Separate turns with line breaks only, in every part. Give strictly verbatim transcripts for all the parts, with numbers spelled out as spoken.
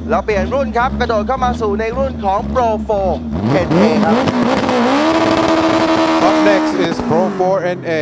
เราเปลี่ยนรุ่นครับกระโดดเข้ามาสู่ในรุ่นของ Pro โฟร์ เอ็น เอ ครับ
Up next is Pro โฟร์ เอ็น เอ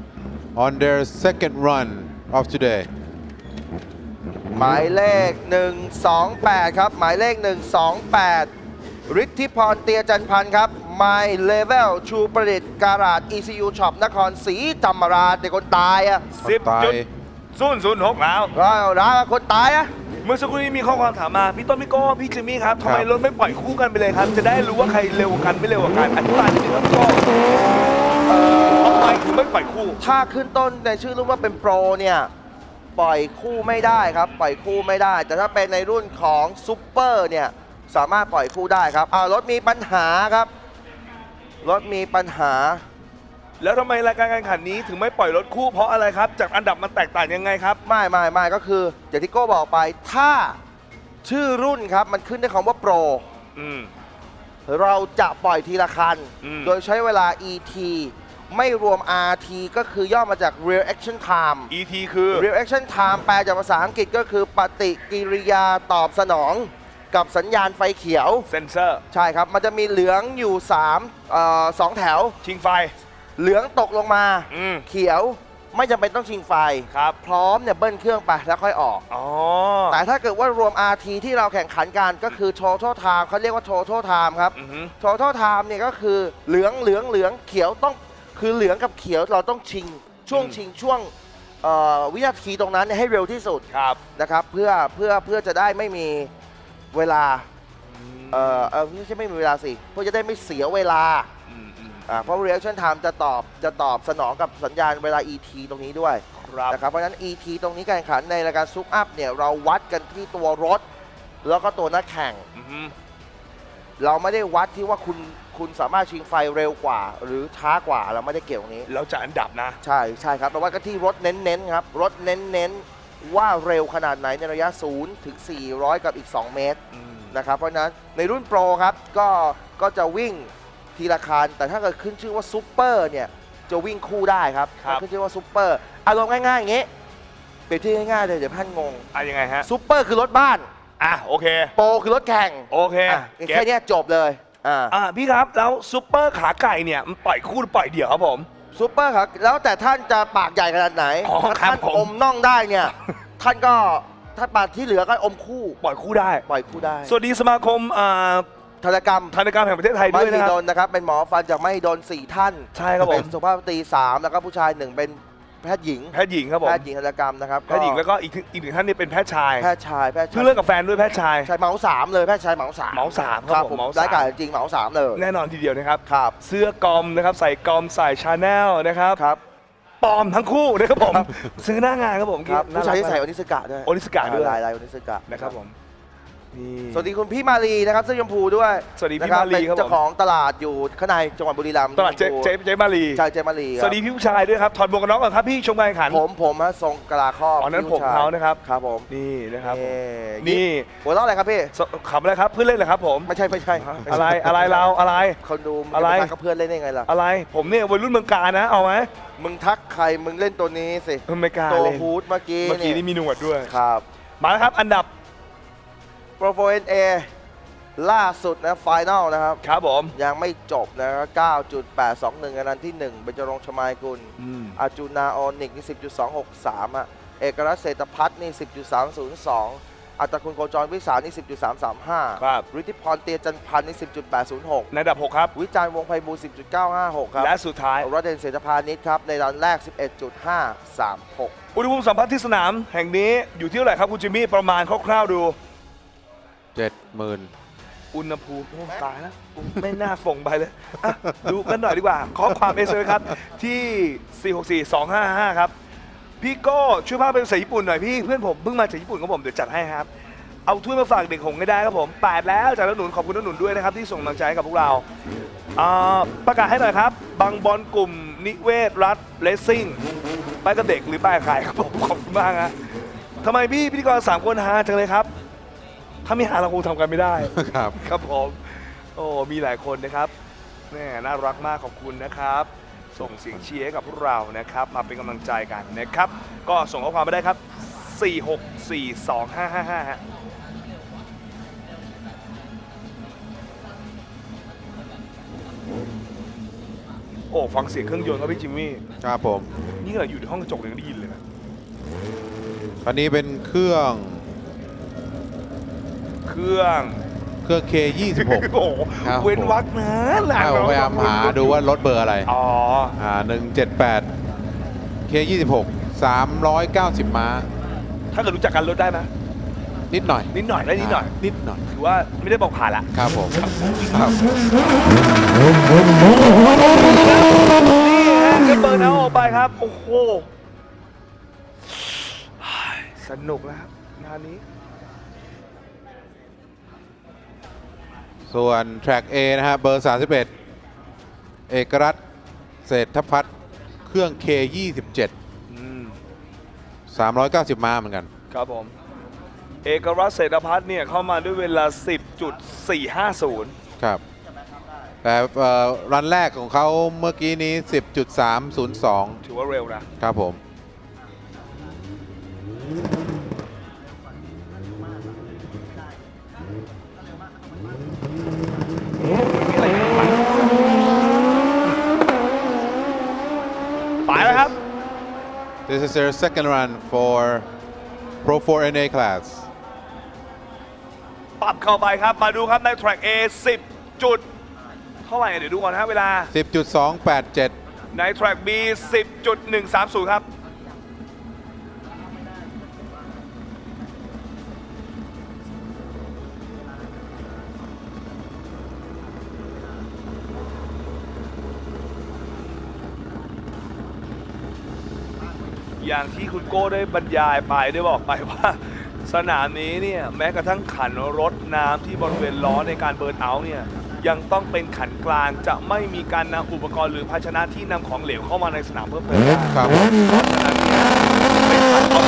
on their second run of today.
หมายเลขหนึ่งสองแปดครับหมายเลขหนึ่งสองแปดฤทธิพรเตียจันพันธ์ครับ My Level ชูประดิษฐ์การาด อี ซี ยู Shop นครศรีธรรมราชแต่คนตายอ่ะ
สิบ
ตาย
จุดศูนย์ศูนย์หกแล้ว
ก็ร้านคนตายอ่ะ
เมื่อสักครู่นี้มีข้อความถามมา พี่ต้นพี่โก้พี่จิมมี่ครับทำไมรถไม่ปล่อยคู่กันไปเลยครับ จะได้รู้ว่าใครเร็วกว่ากันไม่เร็วกว่ากันอธิบายนิดนึงครับพี่โก้ทำไมถึงไม่ปล่อยคู่
ถ้าขึ้นต้นในชื่อรุ่นว่าเป็นโปรเนี่ยปล่อยคู่ไม่ได้ครับปล่อยคู่ไม่ได้ แต่ถ้าเป็นในรุ่นของซูเปอร์เนี่ยสามารถปล่อยคู่ได้ครับอ่ารถมีปัญหาครับรถมีปัญหา
แล้วทำไมรายการแข่งขันนี้ถึงไม่ปล่อยรถคู่เพราะอะไรครับ จากอันดับมันแตกต่างยังไงครับ
ไม่ไม่ไม่ก็คืออย่างที่โก้บอกไปถ้าชื่อรุ่นครับมันขึ้นด้วยคำว่าโปร
อืม
เราจะปล่อยทีละคัน
อืม
โดยใช้เวลา อี ที ไม่รวม อาร์ ที ก็คือย่อมาจาก Real Action Time
อี ที คือ
Real Action Time แปลจากภาษาอังกฤษก็คือปฏิกิริยาตอบสนองกับสัญญาณไฟเขียว
เซนเซอร์
ใช่ครับ มันจะมีเหลืองอยู่3เอ่อสองแถว
ชิงไฟ
เหลืองตกลงมา
อืม
เขียวไม่จำเป็นต้องชิงไฟ
ครับ
พร้อมเนี่ยเบิ้ลเครื่องไปแล้วค่อยออก
อ๋อ
แต่ถ้าเกิดว่ารวม อาร์ ที ที่เราแข่งขันกันก็คือ Total Time เขาเรียกว่า Total Time ครับ
อือฮึ
Total Time เนี่ยก็คือเหลืองเหลืองเหลืองเขียวต้องคือเหลืองกับเขียวเราต้องชิงช่วงชิงช่วงเอ่อวินาทีตรงนั้นเนี่ยให้เร็วที่สุด
ครับ
นะครับเพื่อเพื่อเพื่อจะได้ไม่มีเวลาเอ่อเออไม่ใช่ไม่มีเวลาสิเพื่อจะได้ไม่เสียเวลา
อืมอืม
อ่าเพราะ reaction time จะตอบจะตอบสนองกับสัญญาณเวลา อี ที ตรงนี้ด้วย
ครับ
นะครับเพราะฉะนั้น อี ที ตรงนี้การแข่งขันในรายการซุปอัพเนี่ยเราวัดกันที่ตัวรถ แล้วก็ตัวนักแข่ง
อือฮึ
เราไม่ได้วัดที่ว่าคุณคุณสามารถชิงไฟเร็วกว่า หรือช้ากว่าเราไม่ได้เกี่ยวตรงนี้
เราจะอันดับนะ
ใช่ใช่ครับเราวัดกันที่รถเน้นๆครับรถเน้นๆว่าเร็วขนาดไหนในระยะศูนย์ถึงสี่ร้อยกับอีกสองเมตร
อืม
นะครับเพราะฉะนั้นในรุ่นโปรครับก็ก็จะวิ่งทีละคันแต่ถ้าเกิดขึ้นชื่อว่าซูเปอร์เนี่ยจะวิ่งคู่ได้ครับ
ครับ
ขึ้นชื่อว่าซูเปอร์อารมณ์ง่ายๆอย่างงี้เปรียบเทียบง่ายๆเลยเดี๋ยวท่านงง
อ่ะยังไงฮะ
ซูเปอร์คือรถบ้าน
อ่ะโอเค
โปรคือรถแข่ง
โอเค
อ่ะ
เก็
แค่
บ
เนี้ยจบเลยอ่า
อ่ะพี่ครับ แล้วซุปเปอร์ขาไก่เนี่ยมันปล่อยคู่หรือปล่อยเดี่ยวครับผม
ซูเปอร์ครับแล้วแต่ท่านจะปากใหญ่ขนาดไหน
อ๋อ
ถ้า
ครับ
ท่าน
ผม
อมน่องได้เนี่ย ท่านก็ถ้าปากที่เหลือก็อมคู่
ปล่อยคู่ได้
ปล่อยคู่ได้
สวัสดีสมาคมอ่า
ธนกรรม
ธนกรรมแห่งประเทศไทย
ไม่
ด้วย
มี
นะครับ
โดนนะครับ เป็นหมอฟันจากไม่โดนสี่ท่าน
ใช่ครับผม
เป็นสุภาพสตรีสามแล้วก็ผู้ชายหนึ่งเป็นแพทย์หญิง
แพทย์หญิงครับผม
แพทย์หญิงธนกรรมนะครับ
แพทย์หญิงแล้วก็อีกอีกหนึ่งท่านนี่เป็นแพทย์ชาย
แพทย์ชายแพทย์
เพิ่
ชาง ย
เลิกกับแฟนด้วยแพทย์ชาย
ชายเหมาสามเลยแพทย์ชายเหมาสาม
เหมาสามครับผมเหมาสาม
ได้การจริงเหมาสามเลย
แน่นอนทีเดียวนะครับ
ครับ
เสื้อกอมนะครับใส่กอมใส่ชาแนลนะครับ
ครับ
ปลอมทั้งคู่นะครับผม ซื้อหน้างานครับผม
ครับ
น่
ผู้ชายที่
รัก
ใส่
ม
โอนิสกะด้วย
โอนิสกะด้วย
ลายลายโอนิสกะ
นะครับผมนี่
สวัสดีคุณพี่มาลีนะครับเสื้อชมพูด้วย
สวัสดีพี่
นะ
มาลี
เป็น
ครับผม
เจ้าของตลาดอยู่ข้างในจังหวัดบุรีรัมย์
ตลาดเจ๊เจ๊เจ๊มาลี
ใช่เจมาลีค
ส
รับ
วัสดีพี่ผู้ชายด้วยครับถอดหมวกกันน็อกก่อนครับพี่ชมการแข่งขัน
ผมผมฮะทรงกะลาครอบ
อ๋อนั่น
พี่ผู้ชย
ผมเขานะครับ
ครับผม
นี่นะครับ
นี่
นี่
หัวเราะอะไรครับพี่
สขำอะไรครับเพื่อนเล่นเหรอครับผม
ไม่ใช่ไม่ใช่
อะไรอะไรเราอะไร
คนดูมึง
อะไร
จปทักกับเพื่อนเล่นได้ไงล่ะ
อะไรผมเนี่ยวัยรุ่นเมืองการนะเอาไหม
มึงทักใครมึงเล่นตัวนี้สิ
ไม่กล้า
ตัว
เล่น
ฮูดเมื่อกี้
เมื่อกี้นี่มีหนวดด้วย
ครับ
มาแล้วครับอันดับ
โปรโฟเอ็นเอล่าสุดนะไฟแนลนะครับ
ครับผม
ยังไม่จบนะครับ เก้าจุดแปดสองหนึ่ง อันนั้นที่หนึ่งเบญจรงค์ชมายกุล
อืม
อาจูนาออนิกนี่ สิบจุดสองหกสาม อ่ะ เอกรัตน์เศรษฐพัฒน์นี่ สิบจุดสามศูนย์สอง อัตคุณโคจรวิสานี่ สิบจุดสามสามห้า
ครับ
ฤทธิพรเตียจันพันธ์นี่ สิบจุดแปดศูนย์หก
ในอันดับหกครับ
วิจารณ์วงศ์ไพบูลย์ สิบจุดเก้าห้าหก ครับ
และสุดท้าย
รถเดนเศรษฐพานิชครับ ในรันแรก สิบเอ็ดจุดห้าสามหก
อุณหภูมิสัมผัสที่สนามแห่งนี้อยู่ที่เท่าไหร่ครับคุณจิมมี่ประมาณคร่าวๆดู
เจ็ดหมื่น
อุณหภูมิโอ้ตายแล้วไม่น่าส่งไปเลยอ่ะดูกันหน่อยดีกว่าข้อความเอสเอ็มครับที่ สี่ หก สี่ สอง ห้า ห้า ครับ พี่โก้ช่วยพาไปภาษาญี่ปุ่นหน่อยพี่เพื่อนผมเพิ่งมาจากญี่ปุ่นครับผมเดี๋ยวจัดให้ครับ เอาถ้วยมาฝากเด็กหงส์ให้ได้ครับผมแปดแล้วจากน้าหนุนขอบคุณน้าหนุนด้วยนะครับที่ส่งกำลังใจให้กับพวกเราอ่าประกาศให้หน่อยครับบางบอลกลุ่มนิเวศรัฐเลสซิ่งไปกับเด็กหรือไปกับใครครับผมขอบคุณมากฮะทำไมพี่พิธีกรสามคนฮาจังเลยครับถ้าไม่หาเราคงทำกันไม่ได้
ครับ
ครับผมโอ้มีหลายคนนะครับแม่น่ารักมากขอบคุณนะครับ ส่งเสียงเชียร์ให้กับพวกเรานะครับมาเป็นกำลังใจกันนะครับก็ส่งข้อความมาได้ครับ สี่ หก สี่ สอง ห้า ห้า ห้า ฮะโอ้ฟังเสียงเครื่องยนต์ครับพี่จิมมี่
ครับผม
นี่เราอยู่ในห้องกระจกยังได้ยินเลยนะ
คันนี้เป็นเครื่อง
เครื่อง
เครื่อง เค ยี่สิบหก
โอ้โห
ครับ
เว้นวักนะหลาน
ผมพยายามหาดูว่ารถเบอร์อะไร
อ๋อ
อ่าหนึ่งเจ็ดแปด เค ยี่สิบหก สามร้อยเก้าสิบม้า
ถ้าเกิดรู้จักกันลดได้ไหม
นิดหน่อย
นิดหน่อยได้นิดหน่อย
านิดหน่อย
ถือว่าไม่ได้บอกผ่านละ
ครับผมครับ
นี่ฮะก็เบิร์นเอาออกไปครับ โอ้โหสนุกแล้วครับงานนี้
ส่วน Track A นะฮะเบอร์ สามสิบเอ็ด เอกรัตน์เศรษฐพัฒน์เครื่อง เค ยี่สิบเจ็ด
อืม
สามร้อยเก้าสิบม้าเหมือนกัน
ครับผม เอกรัตน์เศรษฐพัฒน์เนี่ยเข้ามาด้วยเวลา สิบจุดสี่ห้าศูนย์
ครับ แต่เอ่อรันแรกของเขาเมื่อกี้นี้ สิบจุดสามศูนย์สอง
ถือว่าเร็วนะ
ครับผม
มีอะไรอยู่บ้างไปแล้วครับ
This is their second run for Pro โฟร์ เอ็น เอ class
ปรับเข้าไปครับ มาดูครับใน Track A สิบ จุด เท่าไหร่เดี๋ยวดูก่อนนะเวลา
สิบจุดสองแปดเจ็ด
ใน Track B สิบจุดหนึ่งสามศูนย์ ครับ อย่างที่คุณโก้ได้บรรยายไปได้บอกไปว่า สนามนี้เนี่ยแม้กระทั่งขันรถน้ำที่บริเวณล้อในการเบิร์นเอาท์เนี่ยยังต้องเป็นขันกลางจะไม่มีการนำอุปกรณ์หรือภาชนะที่นำของเหลวเข้ามาในสนามเพิ่มเติมได้
ครับผม
เพราะฉะนั้นเนี่ยเป็นขันต้อง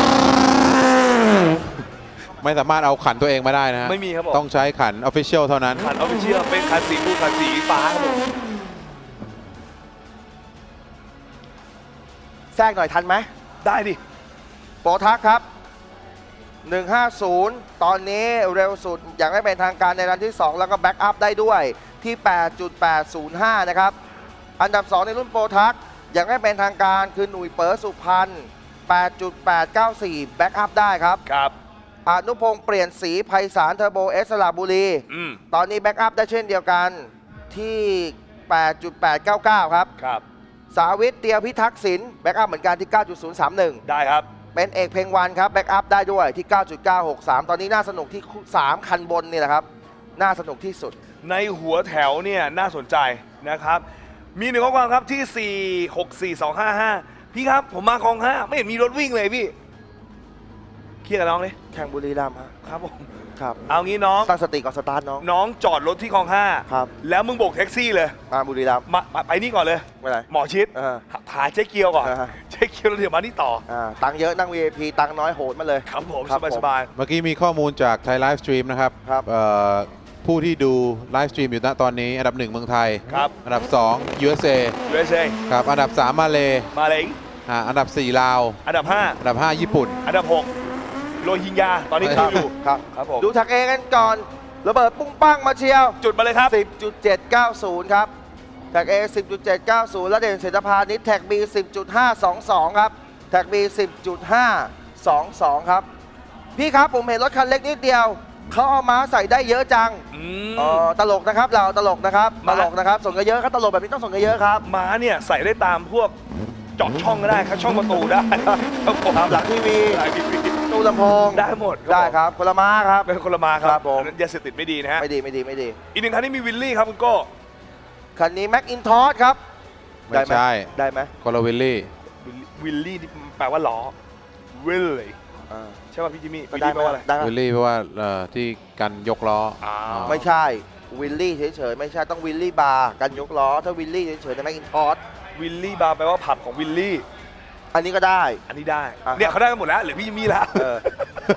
ไม่สามารถเอาขันตัวเองมาได้นะฮะ
ไม่มีครับผม
ต้องใช้ขัน Official เท่านั้น
ขันออฟฟิเชียลเป็นขันสีฟูขันสีฟ้าครับผม
แทรกหน่อยทันไหม
ได้ดิ
โปรทักครับ หนึ่งห้าศูนย์ ตอนนี้เร็วสุดอย่างไม่เป็นทางการในรันที่ สอง แล้วก็แบ็กอัพได้ด้วยที่ แปดจุดแปดศูนย์ห้า นะครับ อันดับ สอง ในรุ่นโปรทักอย่างไม่เป็นทางการคือหนุ่ยเปิร์สุพรรณ แปดจุดแปดเก้าสี่ แบ็กอัพได้ครับ
ครับ
อนุพงษ์เปลี่ยนสีไพศาลเทอร์โบเอสสระบุรี
อืม
ตอนนี้แบ็กอัพได้เช่นเดียวกันที่ แปดจุดแปดเก้าเก้า ครับ
ครับ
สาวิตเตียวพิทักษ์ศิลป์แบ็กอัพเหมือนกันที่ เก้าจุดศูนย์สามหนึ่ง
ได้ครับ
เป็นเอกเพลงวันครับแบ็กอัพได้ด้วยที่ เก้าจุดเก้าหกสาม ตอนนี้น่าสนุกที่ สาม คันบนนี่แหละครับ น่าสนุกที่สุด
ในหัวแถวเนี่ยน่าสนใจนะครับ มีหนึ่งข้อความครับที่ สี่ หก สี่ สอง ห้า ห้า พี่ครับผมมาคลองห้าไม่เห็นมีรถวิ่งเลยพี่เคลียร์กับน้องเลย
แข่งบุรีรัมย์ฮะ
ครับผม
ครับ
เอางี้น้อง
ตั้งสติก่อนสตาร์ทน้อง
น้องจอดรถที่คลองห้า
ครับ
แล้วมึงโบกแท็กซี่เลย
มาบุรีรัมย์
มามาไปนี่ก่อนเลย
ไม่ไร
หมอชิด
เออ
หาเจ๊เกียวก่อน
อ่าฮะ
เจ๊เกียวแล้วเดี๋ยวมานี่ต่อ
อ่าตังค์เยอะนั่ง วี ไอ พี ตังค์น้อยโหดมาเลย
ครับผม
ครับ
สบาย
ผม
สบาย
เมื่อกี้มีข้อมูลจากไทยไลฟ์สตรีมนะครับ
ครับ
เอ่อผู้ที่ดูไลฟ์สตรีมอยู่ณตอนนี้ อันดับหนึ่งเมืองไทย
ครับ
อันดับสอง ยู เอส เอ
ยู เอส เอ
ครับ อันดับสามมาเล
มาเลย
อ่าอันดับสี่ลาว
อันดับห้า
อันดับห้าญี่ปุ่น
อันดับหกโรฮิงญาตอนนี้
ค
เข้า
รับ
อยู่
ครับ
ครับผม
ดูแท็กเอกันก่อน ระเบิดปุ้งปังมาเชียว
จุดมาเลยครับ
สิบจุดเจ็ดเก้าศูนย์ ครับ แท็ก A สิบจุดเจ็ดเก้าศูนย์ และเด่นเศรษฐพานิชแท็ก B สิบจุดห้าสองสอง ครับ แท็ก B สิบจุดห้าสองสอง ครับ พี่ครับผมเห็นรถคันเล็กนิดเดียว เขาเอาม้าใส่ได้เยอะจัง
อื
เอ
ม
อตลกนะครับ เราตลกนะครับ ต
ม้า
ลกนะครับ ส่งกันเยอะครับ ตลกแบบนี้ต้องส่งกันเยอะครับ
ม้าเนี่ยใส่ได้ตามพวกเจอดช่องก็ได้ครับช่องประตูได้ครับผม
ครับหลังทีวี
หลังทีวี
ตู้ลำโพง
ได้หมด
ได้ครับคนละม้าครับ
เป็นคนละมาค
ครั
รับบ
ผม
อันนั้นยาเสพติดไม่ดีนะฮะ
ไม่ดีไม่ดีไม่ดี
อีกหนึ่งคันที่มีวิลลี่ครับคุณโก้
คันนี้แม็กอินทอสครับ
ไม่ใช่
ได้ไหม
คอลวิลลี่
วิลลี่นี่แปลว่าล้อวิลลี่
อ่า
ใช่ป่ะพี่จิมมี่
ก็
วิล
ได้
ลี่
ไห
แป
ม
ลว่าอะไร
ได้ไหม
วิลลี่เพราะว่าเอ่อที่กันยกล้อ
อ่า
อ๋อ
ไม่ใช่วิลลี่เฉยๆไม่ใช่ต้องวิลลี่บาร์กันยกล้อถ้าวิลลี่เฉยๆในแม็กอินทอส
วิลลี่บาร์แปลว่าผับของวิลลี่
อันนี้ก็ได้
อันนี้ได้
อ่าครับ
เนี่ยเขาได้กันหมดแล้วเหลือพี่จิมมี่แล้ว
เออ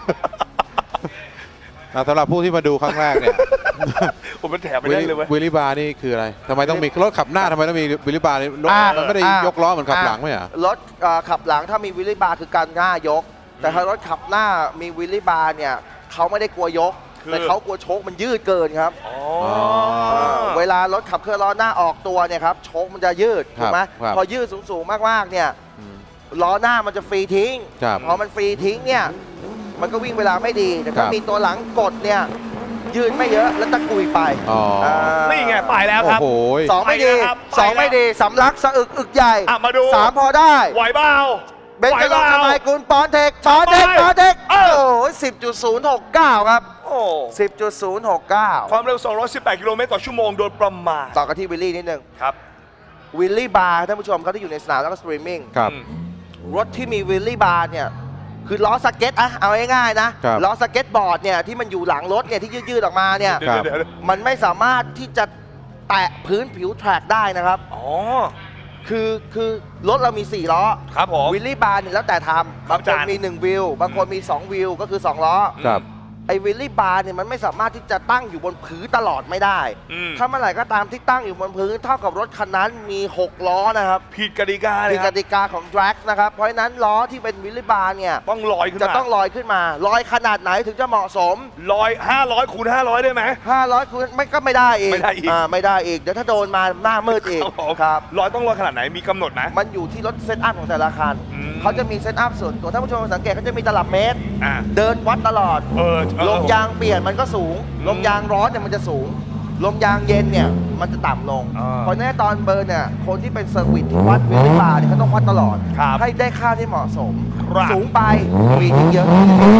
อ่ะสำหรับผู้ที่มาดูครั้งแรกเนี่ย
ผมเป็นแถมไปได้เลยเว้ย
วิลลี่บาร์นี่คืออะไรทำไมต้องมีรถขับหน้าทำไมต้องมีวิลลี่บาร์นี่รถ
อ่า
มันไม่ได้
อ่าย
ยกล้อเหมือนขับหลังไหมอ่ะ
รถเอ่อขับหลังถ้ามีวิลลี่บาร์คือการหน้ายก แต่ถ้ารถขับหน้ามีวิลลี่บาร์เนี่ยเขาไม่ได้กลัวยก
คคือ
แต่เขากลัวโชคมันยืดเกินครับ
อ๋อ
เวลารถขับเคลื่อนล้อหน้าออกตัวเนี่ยครับโชคมันจะยืด
ครั
ถู
บ
กไหม
ครับ
พอยืดสูงๆมากๆเนี่ย
อืม
ล้อหน้ามันจะฟรีทิ้ง
ครับ
พอมันฟรีทิ้งเนี่ยมันก็วิ่งเวลาไม่ดีแต่ถ้า
ครับ
มีตัวหลังกดเนี่ยยืดไม่เยอะแล้วตะกุยไป
อ๋ออ่
า
นี่ไงไปแล้ว
โอ้
ครับ
โห
สองไม่ดี
ไปแล้วครับ
สอง
ไปแล้ว
ไม่ดีสำลักสะอึกอึกใหญ่
อ่ะมาดู
สามพอได้
ไหวเปล่า
เบน
ไหว
จะ
เป
ลง
ล่า
ทำไมคุณปอนเทคปอนเทค
ไป
ปอนเทค
เอ
โอ้
อ
โหสิบจุดศูนย์หกเก้าครับ
โอ้
สิบจุดศูนย์หกเก้า
ความเร็วสองร้อยสิบแปดกิโลเมตรต่อชั่วโมงโดยประมาณ
ต่อกันที่วิลลี่นิดนึง
ครับ
วิลลี่บาร์ท่านผู้ชมเขาที่อยู่ในสนามแล้วก็สตรีมมิ่ง
ครับ
อืม
รถที่มีวิลลี่บาร์เนี่ยคือล้อสเก็ตอะเอาง่ายๆนะครับ ล้อสเก็ตบอร์ดเนี่ยที่มันอยู่หลังรถเนี่ยที่ยืดๆออกมาเนี่ย
เดี๋ยวเดี๋ยวเดี๋ยว
มันไม่สามารถที่จะแตะพื้นผิวแทร็กได้นะครับ
อ๋อ
คือคือรถเรามี สี่ ล้อ
ครับผม
วิลลี่บาร์เนี่ยแล้วแต่ทำบาง
อา
ค
จาน รย์
มี หนึ่ง วิว บางคนมี สอง วิว ก็คือ สอง ล้อ
ครับ
ไอ้วิลลี่บาร์เนี่ยมันไม่สามารถที่จะตั้งอยู่บนพื้นตลอดไม่ได้
อืม
ถ้าเมื่อไหร่ก็ตามที่ตั้งอยู่บนพื้นเท่ากับรถคันนั้นมี หก ล้อนะครับ
ผิดกติกาเล
มี
ยค
ก
รับ
ติกาของ drag นะครับ เพราะฉะนั้นล้อที่เป็นวิลลี่บาร์เนี่ย
ต้องลอยขึ้น
จะ
มา
ต้องลอยขึ้นมา ลอยขนาดไหนถึงจะเหมาะสม
ลอยห้าร้อยคูณห้าร้อยได้ไหม
ห้าร้อยคูณไม่ก็ไม่ได้อีก
ไม่ได้อีก
อ่าไม่ได้อีก เดี๋ยวถ้าโดนมาหน้ามืดอีก
ครับผม
ครับ
ลอยต้องลอยขนาดไหนมีกำหนดไหม
มันอยู่ที่รถเซตอัพของแต่ละคัน
อืม
เขาจะมีเซตอัพส่วนตัวท่านผู้ชมสังเกตเขาจะมีตลับเมตร
อ่า
เดินวัดตลอด
เออเออ
ลมยางเปลี่ยนมันก็สูง
อืม
ลมยางร้อนเนี่ยมันจะสูง ลมยางเย็นเนี่ยมันจะต่ำลง
อ่า
เพราะฉะนั้นตอนเบิร์นเนี่ยคนที่เป็นเซอร์วิสที่วัดวิลลี่บาร์เนี่ยเขาต้องวัดตลอด
ครับ
ให้ได้ค่าที่เหมาะสม
ครับ
สูงไปมีทิ้งเยอะ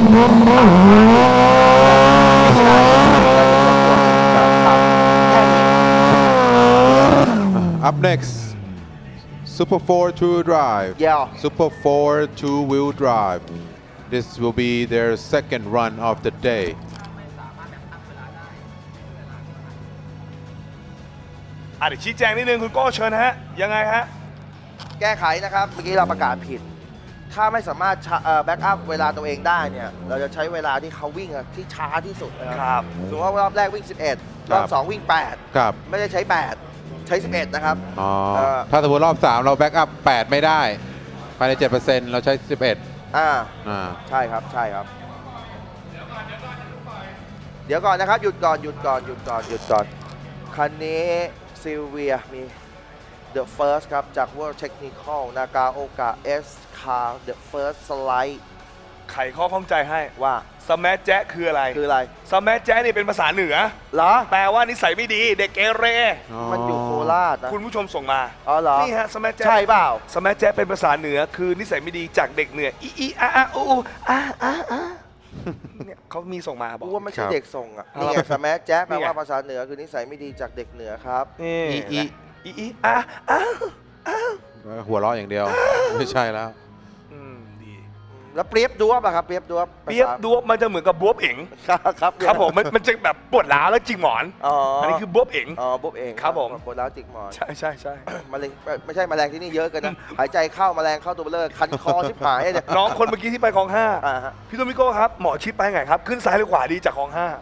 Up next Super four two-wheel drive
Yeah.
Super four two-wheel drive This will be their second run of the day
อ่ะเดี๋ยวชี้แจงนิดนึงคุณโก้เชิญฮะ ยังไงฮะ
แก้ไขนะครับ เมื่อกี้เราประกาศผิด ถ้าไม่สามารถแบ็กอัพเวลาตัวเองได้เนี่ย เราจะใช้เวลาที่เขาวิ่งอะที่ช้าที่สุดนะค
ครั
รับ สมมติว่ารอบแรกวิ่ง สิบเอ็ด รอบ
ครับ
สองวิ่ง แปด
ครับ
ไม่ได้ใช้ แปด ใช้ สิบเอ็ด นะครับ
อ๋อ
เอ่อ
ถ้าสมมติรอบ สาม เราแบ็กอัพ แปด ไม่ได้ ภายใน เจ็ดเปอร์เซ็นต์ เราใช้ สิบเอ็ด
อ่า
อ่า
ใช่ครับ ใช่ครับ เดี๋ยวก่อนนะครับ หยุดก่อน หยุดก่อน หยุดก่อน หยุดก่อน คันนี้ซิลเวียมี The First ครับ จาก World Technical Nagaoka S Car The First Slide
ไขข้อข้องใจให้
ว่า
สแมัแจ๊ะคืออะไร
คืออะไร
สแมัแจ๊ะนี่เป็นภาษาเหนือ
เหรอ
แปลว่านิสัยไม่ดี เด็กเกเร
มันอยู่โคราชนะ
คุณผู้ชมส่งมา
อ๋อเหรอ
นี่ฮะสแมัแจ๊ะ
ใช่เปล่า
สแมัแจ๊ะเป็นภาษาเหนือ คือนิสัยไม่ดีจากเด็กเหนืออีอีอาอาอูอูอาอาอาเนี่ยเขามีส่งมาบอก
กูว่าไม่ใช่
ครับ
เด็กส่งอ่ะ
ครับ
นี่ไงสแมัแจ๊บแปล
นี่ไง
ว่าภาษาเหนือคือนิสัยไม่ดีจากเด็กเหนือครับ
นี่
อีอี
อีอีอาอา
หัวเราะอย่างเดียว ไม่ใช่แล้ว
อืมดี
แล้วเปรียบดวบอะครับ เปรียบดวบ
เปียบดวบมันจะเหมือนกับบวบเอ๋ง
ครับครับ
ครับผมมันมันจะแบบปวดร้าวแล้วจิกหมอน
อ๋อ
อั
อั
นนี้คือบวบเอ๋ง
อ๋อบวบเอง
ครับผม
ปวดร้าวจิกหมอน
ใช่ใช่ใช่
มะเร็งเอ่อไม่ใช่แมลงที่นี่เยอะเกันนะ หายใจเข้าแมลงเข้าตัวเบลอคันคอชิบหายเนี่ย
น้องคนเมื่อกี้ที่ไปคลองห้า
อ่าฮะ
พี่โตมิโก้ครับหมอชิดไปไงครับ ขึ้นซ้ายหรือขวาดีจากคลองห้า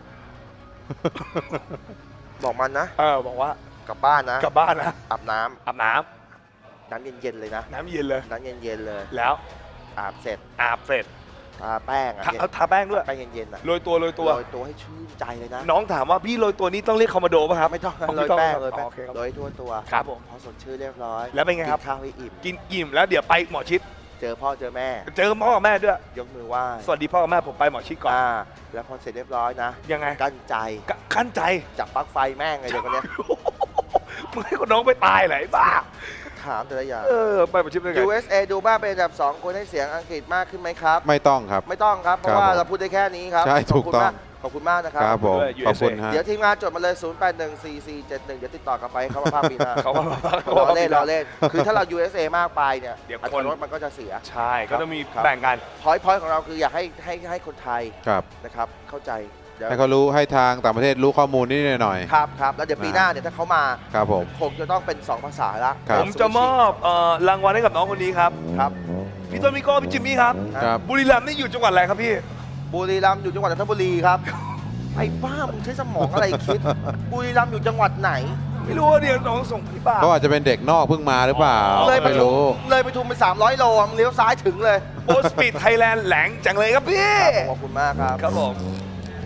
บอกมันนะ
เออบอกว่าก
ลับบ้านนะ
กลับบ้านนะ
อาบน้ำ
อาบน้
น้ำเย็นๆเลยนะ
ำน้ำเย็นเลย
น้ำเย็นๆเลย
แล้ว
อาบเสร็จ
อาบเสร็จ
ทาแป้งอะ
ทาเอาทาแป้งด้วย
แป้งเย็นๆนะ
โรยตัวโรยตัว
โรยตัวให้ชื่นใจเลยนะ
น้องถามว่าพี่โรยตัวนี้ต้องเรียกคอมมานโดป่ะครับ
ไม่ต้อง
อ๋อ
โร
ไม่
ย
ต้อง
แป้ง
ครับ
โรยแป้
อ๋อง โอเคครับ
โรยทั่วตัว
ครับผม
พอสดชื่นเรียบร้อย
แล้วเป็นไงครับ
กินข้าวให้อิ่ม
กินอิ่มแล้วเดี๋ยวไปหมอชิด
เจอพ่อเจอแม่
เจอพ่อกับแม่ด้วย
ยกมือไหว้
สวัสดีพ่อกับแม่ผมไปหมอชิดก่อน
อ่าแล้วพอเสร็จเรียบร้อยนะ
ยังไง
กั้นใจ
กะขั้นใจ
จับปลั๊กไฟแม่งเลยเดี๋ยวคนเนี้ย
มึงให้คนน้องไปตายเหรอไอ้บ้า
ถามแต่ละอย่าง
เออไปหมอชิดได้ไง
ยู เอส เอ ดูบ้าเป็นอันดับสองควรให้เสียงอังกฤษมากขึ้นไหมครับ
ไม่ต้องครับ
ไม่ต้องครับ เพ
ครั
ราะ
บ
ว่า
ผม
เราพูดได้แค่นี้ครับ
ใช่
ขอบคุณ
ถูกต้อง
มากขอบคุณมากนะครับ
ครับผม
ด้วย
ขอบคุณ
ยู เอสเอ
ฮะ
เดี๋ยวทีมงานจดมาเลย ศูนย์ แปด หนึ่ง สี่ สี่ เจ็ด หนึ่ง เดี๋ยวติดต่อกลับไปเขามาภาพปีหน้า
เขาว่า
รอเล่นรอเล่น คือถ้าเรา ยู เอส เอ มากไปเนี่ย
เดี๋ยว
อั
ค
ต
น
ราลดมันก็จะเสีย
ใช่ก็ต้องมี
ครับ
แบ่งกัน
พอยต์พอยต์ของเราคืออยากให้ให้ให้คนไทย
ครับ
นะครับเข้าใจเดี๋ยว
ให้เขารู้ให้ทางต่างประเทศรู้ข้อมูลนิดหน่อย
ครับครับแล้วเดี๋ยวปีหน้าเนี่ยถ้าเขามา
ครับผม
คงจะต้องเป็นสองภาษาละ
ครับ
ผมจะมอบเอ่อรางวัลให้กับน้องคนนี้ครับ
ครับ
พี่ต้นมิโก้พี่จิมมี่ครับ
ครับ
บุรีรัมย์นี่อยู่จังหวัดอะไรครับพี่
บุรีรัมย์อยู่จังหวัดจันทบุรีครับ ไอ้บ้ามึงใช้สมองอะไรคิด บุรีรัมย์อยู่จังหวัดไหน
ไม่รู้ว่าเดี๋ยวน้องส่งพี่ป้า
เขาอาจจะเป็นเด็กนอกเพิ่งมาหรือเปล่า
อ๋อ
เลยไป
ไม่
ทุม
รู้
เลยไปทุมไปสามร้อยโลอะมึงเลี้ยวซ้ายถึงเลย
โอสปีดไทยแลนด์แหลงจังเลยครับพี่
ขอบคุณมากครับ
ครับผม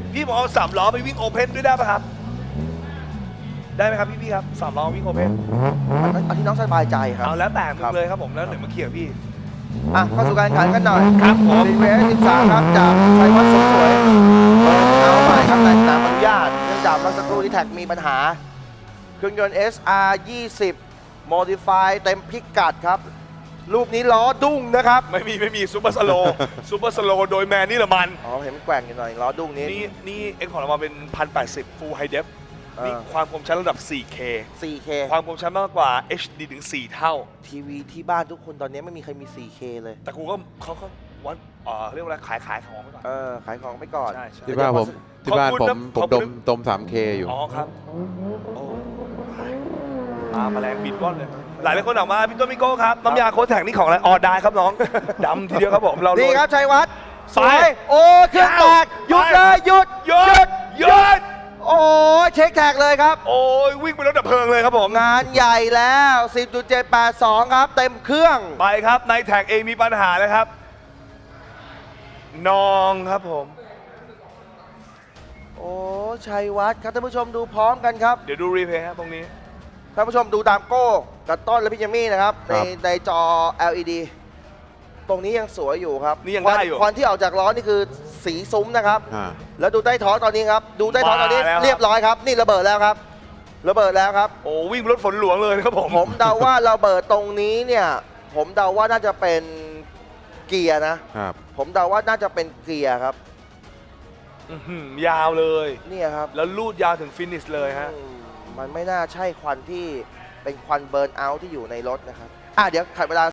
พี่ผมเอาสามล้อไปวิ่งโอเพนด้วยได้ป่ะครับ ได้ไหมครับพี่พี่ครับสามล้อวิ่งโอเพน
มันเอาที่น้องสบายใจครับ
เอาแล้วแต่มึ
ครั
ง
บ
เลยครับผมแล้วเดี๋ยวมาเคลียร์พี่
อ่ะเข้าสู่การแข่งขันกันหน่อย
ครับผม
ซีเวสสิบสามครับจากชัยวัฒน์สมสวยเปิดเอาใหม่ครับในสนามอนุญาตเนื่องจากเมื่อสักครู่ที่แท็กมีปัญหา เครื่องยนต์ เอส อาร์ ยี่สิบ Modify เต็มพิกัดครับ รูปนี้ล้อดุ้งนะครับ
ไม่มีไม่มีซูเปอร์สโลซูเปอร์สโลโดยแมนนี่ละมัน
อ๋อเห็นมันแกว่งอยู่หน่อยล้อดุ้งนี้
นี่นี่เอ็กของเรามาเป็น หนึ่งพันแปดสิบ Full High Def
เออ
มีความคมชัดระดับ โฟร์เค
โฟร์เค
ความคมชัดมากกว่า เอช ดี ถึง สี่ เท่า
ทีวีที่บ้านทุกคนตอนนี้ไม่มีใครมี โฟร์เค เลย
แต่กูก็เขาก็วัดเอ่อเรียกว่าอะไรขายขายของไปก่อน
เออ ขายของไปก่อน
ใช่ใช่
ที่บ้านผมที่บ้านผม
ขอบคุณนะขอบ
ผมด
คุณ
ม
นะ
ดม ทรี เค อยู่
อ๋อครับโอ้ตาแมลงบินว่อนเลย หลายหลายคนออกมาพี่ต้นพี่โก้ครับ น้ำยาโค้ดแท็กนี่ของอะไรออได้ครับน้อง ดำทีเดียวครับผมเรา
นี่
นี่
ครับชัยวัฒน์ส
ไป
วยโอ้เครื่องแตกหยุดเลยหยุด
หยุดหยุด
โอ้ยเช็คแท็กเลยครับ
โอ้ยวิ่งไปรถดับเพลิงเลยครับผม
งานใหญ่แล้ว สิบจุดเจ็ดแปดสอง ครับ เต็มเครื่อง
ไปครับในแท็กเองมีปัญหาแล้วครับนองครับผม
โอ้ชัยวัฒน์ครับท่านผู้ชมดูพร้อมกันครับ
เดี๋ยวดูรีเพย์ครับตรงนี้
ท่านผู้ชมดูตามโก้กับต้นและพี่เจมี่นะครับ
ค
ใน
รับ
ในจอ แอล อี ดี ตรงนี้ยังสวยอยู่ครับ
นี่ยัง
ควั
ได้อยู่
ควันที่ออกจากล้อนี่คือสีซุ้มนะครับ
อ่า
แล้วดูใต้ท้องตอนนี้ครับ ดูใต้ท้องตอนนี้
มาแล้วครับ
เรียบร้อยครับ นี่ระเบิดแล้วครับ ระเบิดแล้วครับ
โอ้วิ่งรถฝนหลวงเลยครับผม
ผมเดาว่าระเบิดตรงนี้เนี่ย ผมเดาว่าน่าจะเป็นเกียร์นะ
ครับ
ผมเดาว่าน่าจะเป็นเกียร์ครับ
อื้อหือยาวเลย
เนี่ยครับ
แล้วลูดยาวถึงฟินิชเลยฮะ
อืมมันไม่น่าใช่ควันที่เป็นควันเบิร์นเอาท์ที่อยู่ในรถนะครับ อ่ะเดี๋ยวขัดเวลา